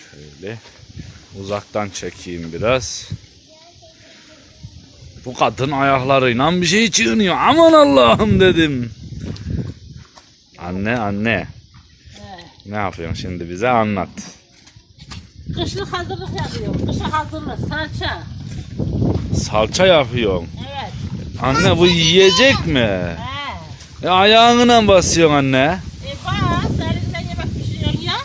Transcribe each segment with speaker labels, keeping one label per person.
Speaker 1: Şöyle uzaktan çekeyim biraz. Bu kadın ayaklarıyla bir şey çiğniyor. Aman Allah'ım dedim. Anne. Ne yapıyorsun şimdi, bize anlat.
Speaker 2: Kışlık hazırlık yapıyorum. Kışa hazırlık, salça.
Speaker 1: Salça yapıyorsun.
Speaker 2: Evet.
Speaker 1: Anne bu yiyecek mi?
Speaker 2: He.
Speaker 1: Ayağına basıyorsun anne.
Speaker 2: Bas, elinden yemek pişiriyorum ya.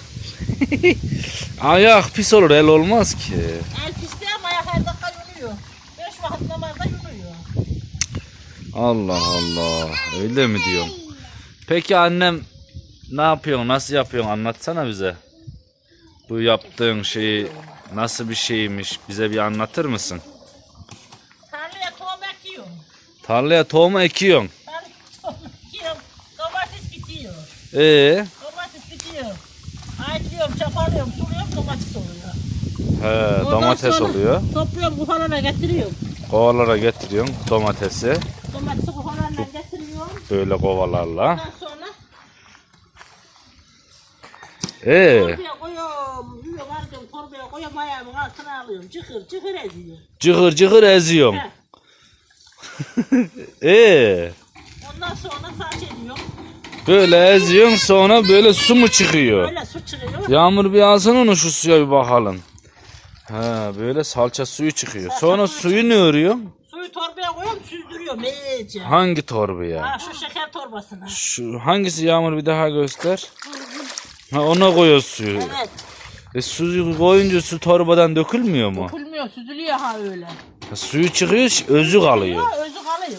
Speaker 1: Ayak pis olur, el olmaz ki.
Speaker 2: El pisliği ama ayak her dakika yürüyor. 5 vakit namazda yürüyor.
Speaker 1: Allah Allah, öyle mi diyorsun? Peki annem ne yapıyorsun, nasıl yapıyorsun, anlatsana bize. Bu yaptığın şeyi nasıl bir şeymiş, bize bir anlatır mısın?
Speaker 2: Tarlaya tohum ekiyorum.
Speaker 1: Tarlaya tohum ekiyorsun.
Speaker 2: Tarlaya tohum ekiyorum. Domates bitiyor. Domates bitiyor. Ayıklıyorum, çapalıyorum, suluyorum, domates oluyor.
Speaker 1: He,
Speaker 2: Ondan
Speaker 1: domates
Speaker 2: sonra
Speaker 1: oluyor.
Speaker 2: Topluyorum, kufalarına getiriyorum.
Speaker 1: Kovalara getiriyorsun domatesi.
Speaker 2: Domatesi kufalarına getiriyorum.
Speaker 1: Böyle kovalarla.
Speaker 2: Ondan sonra torbaya koyuyorum, yiyorum, harcıyorum, torbaya koyuyorum, ayağımın altına alıyorum. Çıkır çıkır eziyor.
Speaker 1: Cıgır cıgır eziyorsun.
Speaker 2: He. Ondan sonra saç ediyorum.
Speaker 1: Böyle eziyorsun, sonra böyle su mu çıkıyor?
Speaker 2: Böyle su çıkıyor.
Speaker 1: Yağmur bir alsana onu, şu suya bir bakalım. Ha, böyle salça suyu çıkıyor. Sonra suyu ne örüyor?
Speaker 2: Suyu torbaya koyuyorum, süzdürüyorum iyice.
Speaker 1: Hangi torbaya?
Speaker 2: Ha, şu şeker torbasına.
Speaker 1: Şu hangisi Yağmur, bir daha göster. Ha, ona koyuyor suyu.
Speaker 2: Evet.
Speaker 1: Suyu koyunca su torbadan dökülmüyor mu?
Speaker 2: Dökülmüyor, süzülüyor ha öyle.
Speaker 1: Ha, suyu çıkıyor, özü kalıyor.
Speaker 2: Özü kalıyor.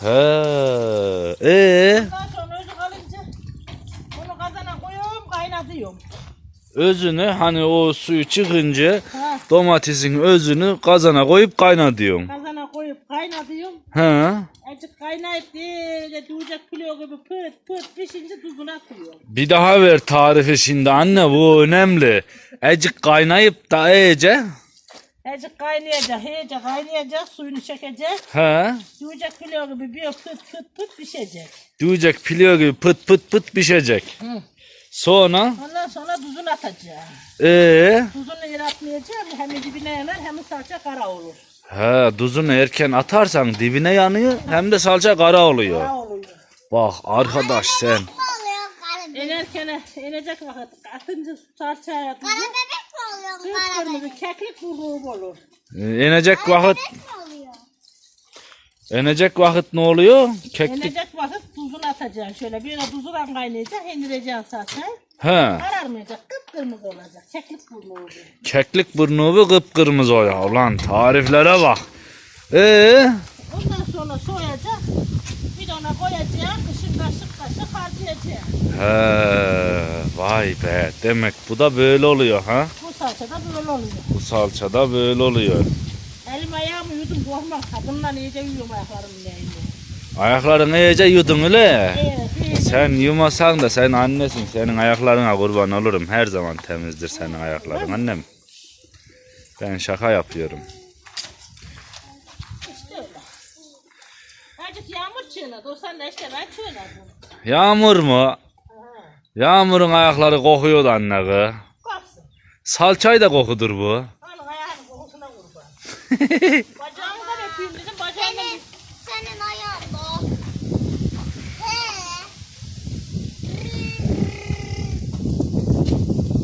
Speaker 1: He.
Speaker 2: Ondan sonra özü kalınca bunu kazana koyuyorum, kaynatıyorum.
Speaker 1: Özünü, hani o suyu çıkınca
Speaker 2: Ha.
Speaker 1: domatesin özünü kazana koyup kaynatıyorsun.
Speaker 2: Kazana koyup kaynatıyorum.
Speaker 1: He.
Speaker 2: Azıcık kaynayıp böyle duyacak kilo gibi pırt pırt pişince tuzunu atıyorum.
Speaker 1: Bir daha ver tarifi şimdi anne, bu önemli. Ecik kaynayıp da iyice.
Speaker 2: Azıcık kaynayacak, iyice kaynayacak, suyunu çekecek.
Speaker 1: He.
Speaker 2: Duyacak kilo gibi bir pırt pırt pırt pişecek.
Speaker 1: Duyacak piliyor gibi pıt pıt pıt pişecek.
Speaker 2: Hı.
Speaker 1: Sonra
Speaker 2: Ondan sonra tuzunu atacağım. Tuzunu yer atmayacağım, hem dibine yanar hem salça kara olur.
Speaker 1: he, tuzunu erken atarsan dibine yanıyor, hem de salça kara oluyor.
Speaker 2: Kara oluyor.
Speaker 1: Bak arkadaş sen.
Speaker 2: İnerken inecek vakit atınca salçaya atınca
Speaker 3: Kara bebek mi oluyor? Kara bebek
Speaker 2: kırmızı keklik burruğu olur.
Speaker 1: İnecek vakit,
Speaker 3: mi oluyor?
Speaker 1: inecek vakit ne oluyor? Keklik.
Speaker 2: İnecek vakit tuzunu atacaksın. Şöyle bir tuzla kaynayacak, indireceksin salçayı.
Speaker 1: He.
Speaker 2: Kararmayacak, kıpkırmızı olacak. Keklik burnuğu olur.
Speaker 1: Keklik burnu kıpkırmızı o ya. Ulan tariflere bak.
Speaker 2: Ondan sonra soyacak, bidona koyacak, kışın kaşık kaşık harcayacak.
Speaker 1: He, vay be. Demek bu da böyle oluyor ha?
Speaker 2: Bu salça da böyle oluyor.
Speaker 1: Bu salça da böyle oluyor.
Speaker 2: Elim ayağımı yudum korkmam. Kadınla iyice yiyorum ayaklarımın neyini.
Speaker 1: Ayaklarını iyice yudun öyle.
Speaker 2: Evet, iyice.
Speaker 1: Sen yumasan da sen annesin. Senin ayaklarına kurban olurum. Her zaman temizdir senin ayakların annem. Ben şaka yapıyorum.
Speaker 2: İşte öyle. Azıcık yağmur çığınadı. O sen de işte ben çığınadım.
Speaker 1: Yağmur mu? Yağmurun ayakları kokuyordu anne kız.
Speaker 2: Baksın.
Speaker 1: Salçayı da kokudur bu.
Speaker 2: Hanım ayağının kokusuna kurban. Bacağını da öpeyim dedim.